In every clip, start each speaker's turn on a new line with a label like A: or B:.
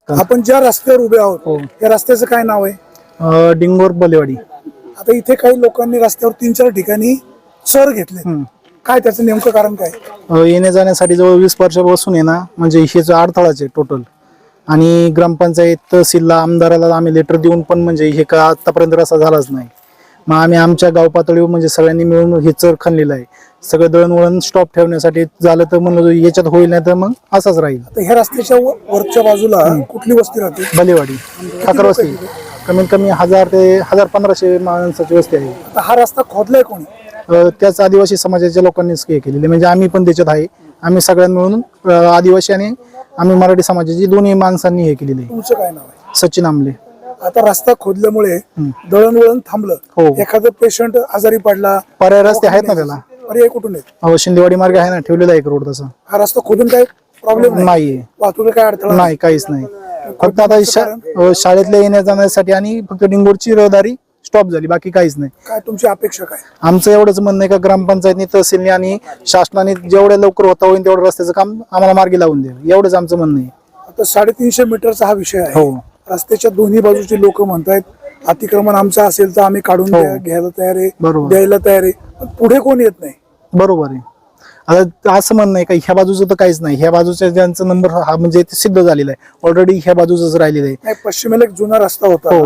A: आपण ज्या रस्त्यावर उभे आहोत या रस्त्याचं काय नाव आहे?
B: डिंगोर बलेवाडी.
A: आता इथे काही लोकांनी रस्त्यावर 3-4 ठिकाणी सर घेतले, काय त्याचं नेमकं कारण काय?
B: येण्या जाण्यासाठी जवळ 20 वर्षापासून आहे ना, म्हणजे हेच अडथळाच आहे टोटल. आणि ग्रामपंचायत तहसीलला आमदाराला आम्ही लेटर देऊन पण म्हणजे हे का आतापर्यंत रस्ता झालाच नाही. मग आम्ही आमच्या गाव पातळीवर म्हणजे सगळ्यांनी मिळून हे चर खणलेलं आहे. सगळं दळणवळण स्टॉप ठेवण्यासाठी झालं तर म्हणलं याच्यात होईल, नाही तर मग असाच राहील.
A: आता ह्या रस्त्याच्या वरच्या बाजूला कुठली वस्ती राहते?
B: बलेवाडी ठाकर वस्ती. कमीत कमी 1000 ते 1500 माणसाची वस्ती आहे.
A: आता हा रस्ता खोदलाय कोणी?
B: त्याच आदिवासी समाजाच्या लोकांनीच हे केलेले, म्हणजे आम्ही पण त्याच्यात आहे. आम्ही सगळ्यांनी मिळून आदिवासी आणि आम्ही मराठी समाजाची दोन्ही माणसांनी हे केलेले.
A: तुमचं काय नाव आहे?
B: सचिन आमले.
A: आता रस्ता खोदल्यामुळे दळणवळण थांबलं, एखादा पेशंट आजारी पडला,
B: पर्याय रस्ते आहेत ना त्याला?
A: पर्याय कुठून आहेत?
B: हो, शिंदेवाडी मार्ग आहे ना, ठेवलेला आहे एक रोड तसा.
A: हा रस्ता खोदून काय प्रॉब्लेम
B: नाहीये,
A: वाहतुकीला काय अडथळा
B: नाही, काहीच नाही. फक्त आता शाळेतल्या येण्या जाण्यासाठी आणि फक्त डिंगोरची रहदारी स्टॉप झाली, बाकी काहीच नाही.
A: काय तुमची अपेक्षा काय?
B: आमचं एवढंच म्हणणं आहे का ग्रामपंचायतनी तहसीलने आणि शासनाने जेवढ्या लवकर होता होईल तेवढं रस्त्याचं काम आम्हाला मार्गी लावून द्यावं, एवढंच आमचं म्हणणं आहे.
A: आता 350 मीटरचा हा विषय आहे.
B: हो.
A: रस्त्याच्या दोन्ही बाजूचे लोक म्हणतायत अतिक्रमण आमचं असेल तर आम्ही काढून घ्यायला तयार आहे, द्यायला तयार आहे, पण पुढे कोण येत नाही.
B: बरोबर आहे. आता असं म्हणणं आहे का ह्या बाजूचं तर काहीच नाही, ह्या बाजूच्या ज्यांचा नंबर हा म्हणजे सिद्ध झालेला आहे ऑलरेडी, ह्या बाजूच राहिलेला आहे.
A: पश्चिमेला एक जुना रस्ता होता,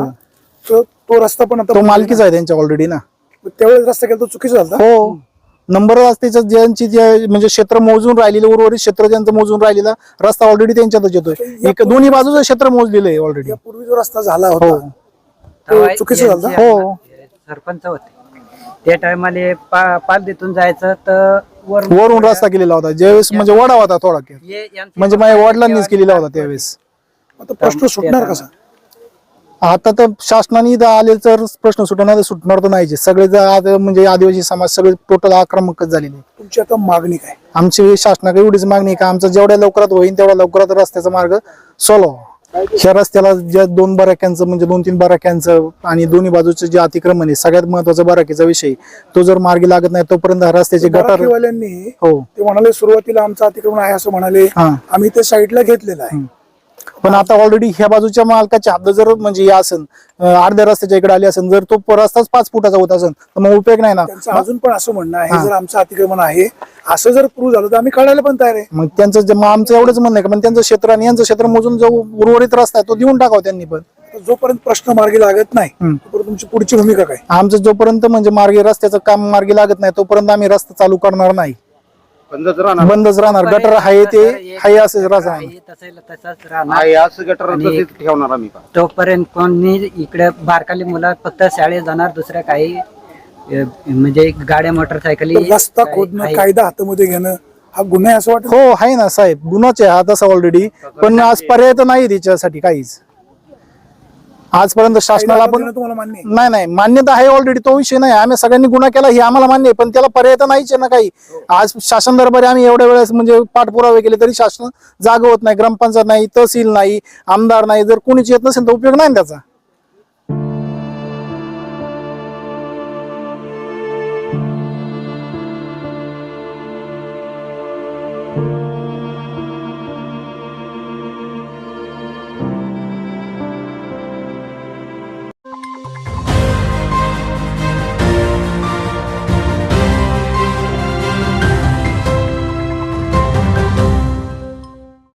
A: तो रस्ता पण आता
B: तो मालकीचा आहे त्यांच्या ऑलरेडी ना.
A: त्यावेळेस रस्ता केला तो चुकीचा झाला.
B: हो, नंबर असते ज्यांची म्हणजे क्षेत्र मोजून राहिलेलं, उर्वरित क्षेत्र ज्यांचं मोजून राहिलेला रस्ता ऑलरेडी त्यांच्यातच येतोय. एक दोन्ही बाजूचं क्षेत्र मोजलेलं आहे ऑलरेडी.
A: पूर्वी जो रस्ता झाला होता तो चुकीचा झाला.
B: हो,
C: सरपंच होते त्या टायमाला पालदीतून जायचं तर
B: वरून रस्ता केलेला होता ज्यावेळेस, म्हणजे वडा होता थोडा, म्हणजे माझ्या वडिलांनीच केलेला होता त्यावेळेस.
A: आता प्रश्न सुटणार कसा?
B: आता तर शासनाने इथं आले तर प्रश्न सुटणार तर नाहीचे. सगळे म्हणजे आदिवासी समाज सगळे टोटल आक्रमकच झालेले.
A: तुमची आता मागणी काय?
B: आमची शासनाकडे एवढीच मागणी आहे का आमचं जेवढ्या लवकरात होईल तेवढ्या लवकरात रस्त्याचा मार्ग सॉल्व्ह व्हावा. ह्या रस्त्याला ज्या 2 बराक्यांचं म्हणजे 2-3 बराक्यांचं आणि दोन्ही बाजूचं जे अतिक्रमण आहे, सगळ्यात महत्वाचा बराकीचा विषय, तो जर मार्गी लागत नाही तोपर्यंत रस्त्याचे गटार.
A: हो, ते म्हणाले सुरुवातीला आमचं अतिक्रमण आहे असं म्हणाले, आम्ही ते साईडला घेतलेलं आहे.
B: पण आता ऑलरेडी ह्या बाजूच्या मालकाची हद्द जर म्हणजे असेल अर्ध्या रस्त्याच्या इकडे आली असेल, जर तो रस्ताच 5 फुटाचा होत असेल तर मग उपयोग नाही ना.
A: त्यांचं अजून पण असं म्हणणं आहे जर आमचं अतिक्रमण आहे असं जर प्रूव्ह झालं तर आम्ही काढायला पण तयार आहे.
B: मग त्यांचं आमचं एवढंच म्हणणं आहे का पण त्यांचं क्षेत्र आणि यांचं क्षेत्र मोजून जो उर्वरित रस्ता आहे तो देऊन टाकावा त्यांनी. पण
A: जोपर्यंत प्रश्न मार्गी लागत नाही तोपर्यंत तुमची पुढची भूमिका काय?
B: आमचं जोपर्यंत म्हणजे मार्गी रस्त्याचं काम मार्गी लागत नाही तोपर्यंत आम्ही रस्ता चालू करणार नाही, बंदच राहणार. गटर आहे ते आहे असं
C: ठेवणार आम्ही. तोपर्यंत कोणी इकडे बारकाली मुलं फक्त शाळेत जाणार, दुसऱ्या काही म्हणजे गाड्या मोटरसायकली.
A: रस्ता खोदणं, कायदा हातामध्ये घेणं हा गुन्हा आहे असं वाटतं?
B: हो, आहे ना साहेब, गुन्हाच आहे हा तसा ऑलरेडी. पण आज पर्याय तर नाही त्याच्यासाठी काहीच आजपर्यंत शासनाला. पण नाही, मान्यता आहे ऑलरेडी, तो विषय नाही. आम्ही सगळ्यांनी गुन्हा केला हे आम्हाला मान्य आहे, पण त्याला पर्याय तर नाहीच आहे ना काही. आज शासन दरबारी आम्ही एवढ्या वेळेस म्हणजे पाठपुरावे केले तरी शासन जागा होत नाही. ग्रामपंचायत नाही, तहसील नाही, आमदार नाही, जर कोणीच येत नसेल तर उपयोग नाही त्याचा.